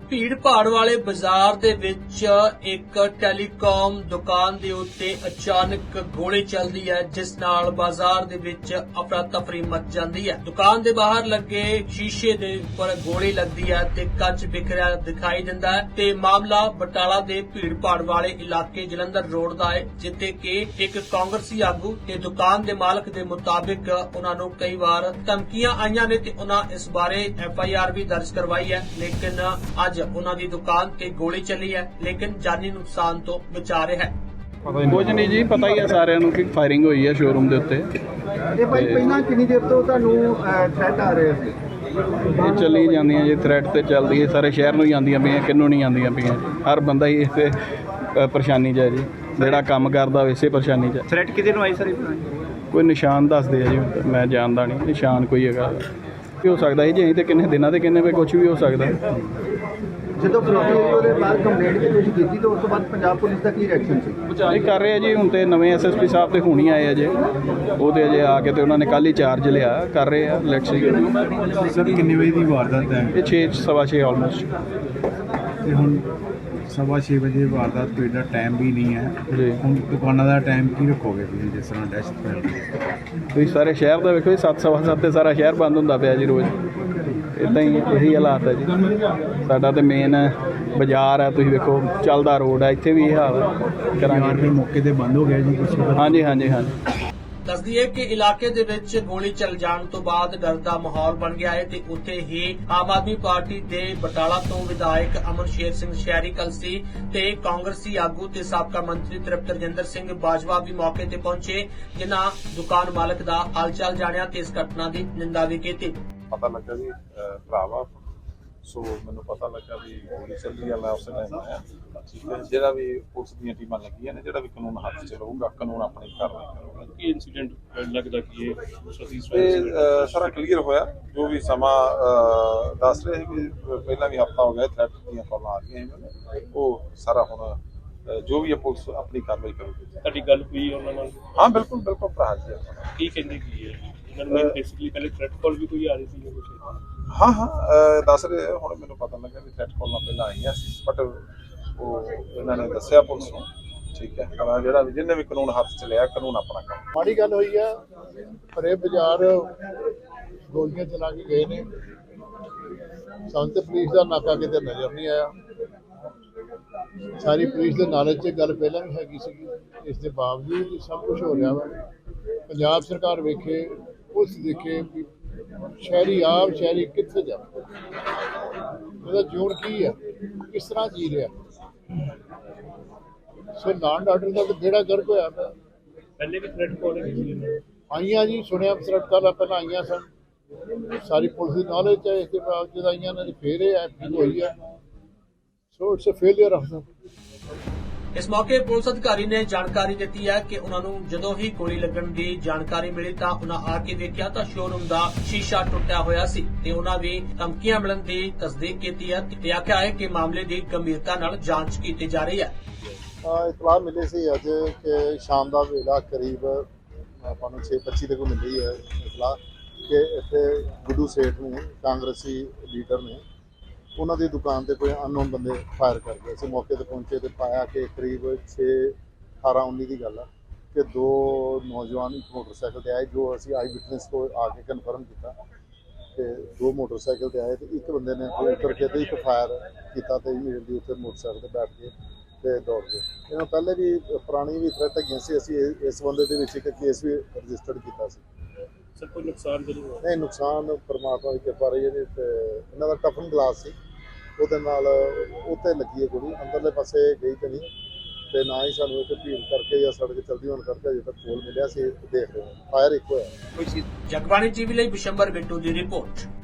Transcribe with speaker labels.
Speaker 1: ਭੀੜ ਭਾੜ ਵਾਲੇ ਬਾਜ਼ਾਰ ਦੇ ਵਿੱਚ ਇੱਕ ਟੈਲੀਕਾਮ ਦੁਕਾਨ ਦੇ ਉੱਤੇ ਅਚਾਨਕ ਗੋਲੀ ਚੱਲਦੀ ਹੈ, ਜਿਸ ਨਾਲ ਬਾਜ਼ਾਰ ਦੇ ਵਿੱਚ ਅਫਰਾ ਤਫਰੀ ਮਚ ਜਾਂਦੀ ਹੈ। ਦੁਕਾਨ ਦੇ ਬਾਹਰ ਲੱਗੇ ਸ਼ੀਸ਼ੇ ਦੇ ਉੱਪਰ ਗੋਲੀ ਲੱਗਦੀ ਹੈ ਤੇ ਕੱਚ ਬਿਖਰਿਆ ਦਿਖਾਈ ਦਿੰਦਾ ਹੈ ਤੇ ਮਾਮਲਾ ਬਟਾਲਾ ਦੇ ਭੀੜ ਭਾੜ ਵਾਲੇ ਇਲਾਕੇ ਜਲੰਧਰ ਰੋਡ ਦਾ ਹੈ, ਜਿੱਥੇ ਕਿ ਇੱਕ ਕਾਂਗਰਸੀ ਆਗੂ ਤੇ ਦੁਕਾਨ ਦੇ ਮਾਲਕ ਦੇ ਮੁਤਾਬਿਕ ਉਹਨਾਂ ਨੂੰ ਕਈ ਵਾਰ ਧਮਕੀਆਂ ਆਈਆਂ ਨੇ ਤੇ ਉਹਨਾਂ ਇਸ ਬਾਰੇ FIR ਵੀ ਦਰਜ ਕਰਵਾਈ ਹੈ, ਲੇਕਿਨ ਅੱਜ ਉਹਨਾਂ ਦੀ ਦੁਕਾਨ ਤੇ ਗੋਲੀ ਚੱਲੀ ਹੈ, ਲੇਕਿਨ ਜਾਨੀ ਨੁਕਸਾਨ ਤੋਂ ਬਚਾ ਰਿਹਾ ਹੈ।
Speaker 2: ਕੁਝ ਨਹੀਂ ਜੀ, ਪਤਾ ਹੀ ਹੈ ਸਾਰਿਆਂ ਨੂੰ ਕਿ ਫਾਇਰਿੰਗ ਹੋਈ ਹੈ ਸ਼ੋਰੂਮ ਦੇ ਉੱਤੇ।
Speaker 3: ਇਹ ਭਾਈ ਪਹਿਲਾਂ ਕਿੰਨੀ ਦੇਰ ਤੋਂ ਤੁਹਾਨੂੰ ਥ੍ਰੈਟ ਆ ਰਹੇ ਸੀ?
Speaker 2: ਇਹ ਚੱਲੀ ਜਾਂਦੀਆਂ ਜੀ, ਥ੍ਰੈਟ ਤੇ ਚੱਲਦੀ ਹੈ, ਸਾਰੇ ਸ਼ਹਿਰ ਨੂੰ ਹੀ ਆਉਂਦੀਆਂ ਪਈਆਂ, ਕਿੰਨੂੰ ਨਹੀਂ ਆਉਂਦੀਆਂ ਪਈਆਂ। ਹਰ ਬੰਦਾ ਹੀ ਇਸੇ ਪਰੇਸ਼ਾਨੀ 'ਚ ਹੈ ਜੀ, ਜਿਹੜਾ ਕੰਮ ਕਰਦਾ ਇਸੇ ਪਰੇਸ਼ਾਨੀ 'ਚ ਹੈ।
Speaker 3: ਥ੍ਰੈਟ ਕਿਹਦੇ ਨੂੰ ਆਈ ਸਰ?
Speaker 2: ਕੋਈ ਨਿਸ਼ਾਨ ਦੱਸਦੇ ਆ ਜੀ, ਮੈਂ ਜਾਣਦਾ ਨਹੀਂ ਨਿਸ਼ਾਨ ਕੋਈ ਹੈਗਾ, ਕੀ ਹੋ ਸਕਦਾ ਜੀ ਅਸੀਂ ਤੇ ਕਿੰਨੇ ਦਿਨਾਂ ਤੇ ਕਿੰਨੇ ਵੇ ਕੁਝ ਵੀ ਹੋ ਸਕਦਾ।
Speaker 3: ਜਦੋਂ ਫਰੋਤੀ ਉਹਦੇ ਬਾਅਦ ਕੰਪਲੇਂਟ ਵੀ ਤੁਸੀਂ ਕੀਤੀ ਤਾਂ ਉਸ ਤੋਂ ਬਾਅਦ ਪੰਜਾਬ ਪੁਲਿਸ ਦਾ ਕੀ ਰਿਐਕਸ਼ਨ ਸੀ?
Speaker 2: ਇਹ ਕਰ ਰਹੇ ਆ ਜੀ, ਹੁਣ ਤੇ ਨਵੇਂ SSP ਸਾਹਿਬ ਤੇ ਹੁਣੀ ਆਏ ਅਜੇ, ਉਹ ਤੇ ਅਜੇ ਆ ਕੇ ਤੇ ਉਹਨਾਂ ਨੇ ਕੱਲ ਹੀ ਚਾਰਜ ਲਿਆ, ਕਰ ਰਹੇ ਆ ਇਲੈਕਸ਼ਨ।
Speaker 4: ਸਰ ਕਿੰਨੇ ਵਜੇ ਦੀ ਵਾਰਦਾਤ ਹੈ?
Speaker 2: ਇਹ 6:15 ਆਲਮੋਸਟ।
Speaker 4: ਤੇ ਹੁਣ 6:15 ਵਜੇ ਵਾਰਦਾਤ ਕੋਈ ਦਾ ਟਾਈਮ ਵੀ ਨਹੀਂ ਹੈ
Speaker 2: ਜੀ।
Speaker 4: ਹੁਣ ਦੁਕਾਨਾਂ ਦਾ ਟਾਈਮ ਕੀ ਰੱਖੋਗੇ ਤੁਸੀਂ ਜਿਸ ਤਰ੍ਹਾਂ ਦਹਿਸ਼ਤ ਫੈਲਦੀ ਹੈ?
Speaker 2: ਤੁਸੀਂ ਸਾਰੇ ਸ਼ਹਿਰ ਦਾ ਵੇਖੋ ਜੀ, 7:15 ਤੇ ਸਾਰਾ ਸ਼ਹਿਰ ਬੰਦ ਹੁੰਦਾ ਪਿਆ ਜੀ ਰੋਜ਼। ਇੱਦਾਂ ਹੀ ਇਹੀ ਹਾਲਾਤ ਹੈ ਜੀ। ਸਾਡਾ ਤੇ ਮੇਨ ਬਾਜ਼ਾਰ ਹੈ, ਤੁਸੀਂ ਵੇਖੋ ਚੱਲਦਾ ਰੋਡ ਹੈ, ਇੱਥੇ ਵੀ ਇਹ ਹਾਲ ਹੈ।
Speaker 4: ਕਰਾਂਗੇ ਮੌਕੇ ਤੇ ਬੰਦ ਹੋ ਗਿਆ ਜੀ ਕੁਛ?
Speaker 2: ਹਾਂਜੀ ਹਾਂਜੀ ਹਾਂਜੀ।
Speaker 1: ਦੱਸਦੀ ਹੈ ਕਿ ਇਲਾਕੇ ਦੇ ਵਿੱਚ ਗੋਲੀ ਚੱਲ ਜਾਣ ਤੋਂ ਬਾਅਦ ਡਰ ਦਾ ਮਾਹੌਲ ਬਣ ਗਿਆ ਹੈ ਤੇ ਉੱਥੇ ਹੀ ਆਮ ਆਦਮੀ ਪਾਰਟੀ ਦੇ ਬਟਾਲਾ ਤੋਂ ਵਿਧਾਇਕ ਅਮਨਸ਼ੇਰ ਸਿੰਘ ਸ਼ਹਿਰੀ ਕਲਸੀ ਤੇ ਕਾਂਗਰਸੀ ਆਗੂ ਤੇ ਸਾਬਕਾ ਮੰਤਰੀ ਤ੍ਰਿਪਤ ਰਜਿੰਦਰ ਸਿੰਘ ਬਾਜਵਾ ਵੀ ਮੌਕੇ ਤੇ ਪਹੁੰਚੇ, ਜਿਨ੍ਹਾਂ ਦੁਕਾਨ ਮਾਲਕ ਦਾ ਹਾਲਚਾਲ ਜਾਣਿਆ ਤੇ ਇਸ ਘਟਨਾ ਦੀ ਨਿੰਦਾ ਵੀ ਕੀਤੀ।
Speaker 5: ਪਤਾ ਲੱਗਾ ਜੀ ਭਰਾਵਾ, ਸੋ ਮੈਨੂੰ ਪਤਾ ਲੱਗਾ ਵੀ ਗੋਲੀ ਚੱਲੀ ਆ, ਮੈਂ ਉਸ ਟਾਈਮ ਆਇਆ। ਠੀਕ ਹੈ, ਜਿਹੜਾ ਵੀ ਪੁਲਿਸ ਦੀਆਂ ਟੀਮਾਂ ਲੱਗੀਆਂ ਨੇ, ਜਿਹੜਾ ਵੀ ਕਾਨੂੰਨ ਹੱਥ 'ਚ ਲਊਗਾ, ਕਾਨੂੰਨ ਆਪਣੀ ਕਾਰਵਾਈ ਕਰੂਗਾ।
Speaker 6: ਕੀ ਇਨਸੀਡੈਂਟ ਲੱਗਦਾ ਕਿ
Speaker 5: ਇਹ ਸਾਰਾ ਕਲੀਅਰ ਹੋਇਆ, ਜੋ ਵੀ ਸਮਾਂ ਦੱਸ ਰਹੇ ਸੀ ਵੀ ਪਹਿਲਾਂ ਵੀ ਹਫ਼ਤਾ ਹੋ ਗਿਆ ਥ੍ਰੈਟ ਦੀਆਂ ਕਾਲਾਂ ਆ ਰਹੀਆਂ ਸੀ, ਉਹ ਸਾਰਾ ਹੁਣ ਜੋ ਵੀ ਹੈ ਪੁਲਿਸ ਆਪਣੀ ਕਾਰਵਾਈ ਕਰੂਗੀ।
Speaker 6: ਤੁਹਾਡੀ ਗੱਲ ਹੋਈ ਉਹਨਾਂ ਨਾਲ?
Speaker 5: ਹਾਂ ਬਿਲਕੁਲ ਬਿਲਕੁਲ ਭਰਾ ਜੀ।
Speaker 6: ਕੀ ਕਹਿੰਦੇ ਕੀ ਹੈ ਇਹਨਾਂ ਨੂੰ? ਬੇਸਿਕਲੀ ਪਹਿਲੇ ਥ੍ਰੈਟ ਕਾਲ ਵੀ ਕੋਈ ਆ ਰਹੀ ਸੀ ਕੁਝ?
Speaker 5: ਹਾਂ ਦੱਸ ਰਹੇ, ਹੁਣ ਮੈਨੂੰ ਪਤਾ ਲੱਗਾ ਵੀ ਥ੍ਰੈਟ ਕਾਲਾਂ ਪਹਿਲਾਂ ਆਈਆਂ ਸੀ, ਬਟ ਉਹ ਇਹਨਾਂ ਨੇ ਦੱਸਿਆ ਪੁਲਿਸ ਨੂੰ। ਠੀਕ ਹੈ, ਪਰ ਜਿਹੜਾ ਵੀ ਜਿਹਨੇ ਵੀ ਕਾਨੂੰਨ ਹੱਥ 'ਚ ਲਿਆ, ਕਾਨੂੰਨ ਆਪਣਾ ਕੰਮ।
Speaker 7: ਮਾੜੀ ਗੱਲ ਹੋਈ ਆ, ਪਰੇ ਬਾਜ਼ਾਰ ਗੋਲੀਆਂ ਚਲਾ ਕੇ ਗਏ ਨੇ। ਸਾਨੂੰ ਤੇ ਪੁਲਿਸ ਦਾ ਨਾਕਾ ਕਿਤੇ ਨਜ਼ਰ ਨਹੀਂ ਆਇਆ। ਸਾਰੀ ਪੁਲਿਸ ਦੇ ਨਾਲੇ 'ਚ ਗੱਲ ਪਹਿਲਾਂ ਵੀ ਹੈਗੀ ਸੀਗੀ, ਇਸ ਦੇ ਬਾਵਜੂਦ ਸਭ ਕੁਝ ਹੋ ਰਿਹਾ ਵਾ। ਪੰਜਾਬ ਸਰਕਾਰ ਵੇਖੇ, ਪੁਲਿਸ ਦੇਖੇ ਵੀ ਸ਼ਹਿਰੀ ਕਿੱਥੇ ਜਾ, ਉਹਦਾ ਜੋੜ ਕੀ ਆ, ਕਿਸ ਤਰ੍ਹਾਂ ਜੀ ਰਿਹਾ। ਸੋ ਲਾਅ ਐਂਡ ਆਰਡਰ ਦਾ ਜਿਹੜਾ ਗਰਕ ਹੋਇਆ ਪਿਆ।
Speaker 6: ਪਹਿਲੇ ਵੀ ਥ੍ਰੈਟ ਕਾਲ
Speaker 7: ਆਈਆਂ ਜੀ, ਸੁਣਿਆ ਥ੍ਰੈਟ ਕਾਲਾਂ ਪਹਿਲਾਂ ਆਈਆਂ ਸਨ, ਸਾਰੀ ਪੁਲਿਸ ਦੀ ਨੌਲੇਜ 'ਚ ਇਸ ਦੇ ਬਾਵਜੂਦ ਆਈਆਂ ਨੇ, ਫੇਰ ਇਹ ਐਕਟਿੰਗ ਹੋਈ ਹੈ। So it's a failure of ਦਾ।
Speaker 1: ਇਸ ਮੌਕੇ ਪੁਲਿਸ ਅਧਿਕਾਰੀ ਨੇ ਜਾਣਕਾਰੀ ਦਿੱਤੀ ਹੈ ਕਿ ਉਹਨਾਂ ਨੂੰ ਜਦੋਂ ਹੀ ਗੋਲੀ ਲੱਗਣ ਦੀ ਜਾਣਕਾਰੀ ਮਿਲੀ ਤਾਂ ਉਹਨਾਂ ਆ ਕੇ ਦੇਖਿਆ ਤਾਂ ਸ਼ੋਰੂਮ ਦਾ ਸ਼ੀਸ਼ਾ ਟੁੱਟਿਆ ਹੋਇਆ ਸੀ ਤੇ ਉਹਨਾਂ ਵੀ ਧਮਕੀਆਂ ਮਿਲਣ ਦੀ ਤਸਦੀਕ ਕੀਤੀ ਹੈ ਤੇ ਆਖਿਆ ਹੈ ਕਿ ਮਾਮਲੇ ਦੀ ਗੰਭੀਰਤਾ ਨਾਲ ਜਾਂਚ ਕੀਤੀ ਜਾ ਰਹੀ ਹੈ।
Speaker 7: ਇਤਲਾਹ ਮਿਲੀ ਸੀ ਅੱਜ ਕਿ ਸ਼ਾਮ ਦਾ ਵੇਲਾ ਕਰੀਬ ਆਪਾਂ ਨੂੰ 6:25 ਤੱਕ ਮਿਲੀ ਹੈ ਇਤਲਾਹ ਕਿ ਇੱਥੇ ਗੁੱਡੂ ਸੇਠ ਨੂੰ, ਕਾਂਗਰਸੀ ਲੀਡਰ ਨੇ, ਉਹਨਾਂ ਦੀ ਦੁਕਾਨ ਤੇ ਕੋਈ ਅਨਨੋਨ ਬੰਦੇ ਫਾਇਰ ਕਰ ਗਏ। ਅਸੀਂ ਮੌਕੇ ਤੇ ਪਹੁੰਚੇ ਤੇ ਪਾਇਆ ਕਿ ਕਰੀਬ 6:18-19 ਦੀ ਗੱਲ ਹੈ ਕਿ ਦੋ ਨੌਜਵਾਨ ਇੱਕ ਮੋਟਰਸਾਈਕਲ ਤੇ ਆਏ, ਜੋ ਅਸੀਂ ਆਈ ਵਿਟਨੈਸ ਤੋਂ ਆ ਕੇ ਕਨਫਰਮ ਕੀਤਾ ਕਿ ਦੋ ਮੋਟਰਸਾਈਕਲ ਤੇ ਆਏ ਤੇ ਇੱਕ ਬੰਦੇ ਨੇ ਉੱਤਰ ਕੇ ਤੇ ਇੱਕ ਫਾਇਰ ਕੀਤਾ ਤੇ ਇਮੀਡੀਏਟਲੀ ਉੱਥੇ ਮੋਟਰਸਾਈਕਲ ਤੇ ਬੈਠ ਕੇ ਤੇ ਦੌੜ ਗਏ। ਇਹਨਾਂ ਪਹਿਲੇ ਵੀ ਪੁਰਾਣੀ ਵੀ ਥ੍ਰੈਟ ਹੈਗੀਆਂ ਸੀ, ਅਸੀਂ ਇਸ ਬੰਦੇ ਦੇ ਵਿੱਚ ਇੱਕ ਕੇਸ ਵੀ ਰਜਿਸਟਰਡ ਕੀਤਾ ਸੀ।
Speaker 6: ਸਰ ਕੋਈ ਨੁਕਸਾਨ ਜ਼ਰੂਰ ਹੋਇਆ?
Speaker 7: ਨਹੀਂ, ਨੁਕਸਾਨ ਪਰਮਾਤਮਾ ਦੀ ਕਿਰਪਾ ਰਹੀ ਹੈ ਜੀ। ਤੇ ਇਹਨਾਂ ਦਾ ਟਫਨ ਗਲਾਸ ਸੀ, ਉਹਦੇ ਨਾਲ ਉੱਤੇ ਲੱਗੀ ਹੈ ਗੋਲੀ, ਅੰਦਰਲੇ ਪਾਸੇ ਗਈ ਤੇ ਨਹੀਂ, ਤੇ ਨਾ ਹੀ ਸਾਨੂੰ ਇੱਕ ਭੀੜ ਕਰਕੇ ਜਾਂ ਸੜਕ ਚਲਦੀ ਹੋਣ ਕਰਕੇ ਅਜੇ ਤੱਕ ਕੋਲ ਮਿਲਿਆ ਸੀ। ਦੇਖ ਰਹੇ ਹਾਂ, ਫਾਇਰ ਇੱਕ ਹੋਇਆ।
Speaker 1: ਜਗਬਾਣੀ ਟੀਵੀ ਲਈ ਬਿਸ਼ੰਬਰ ਬਿੱਟੂ ਦੀ ਰਿਪੋਰਟ।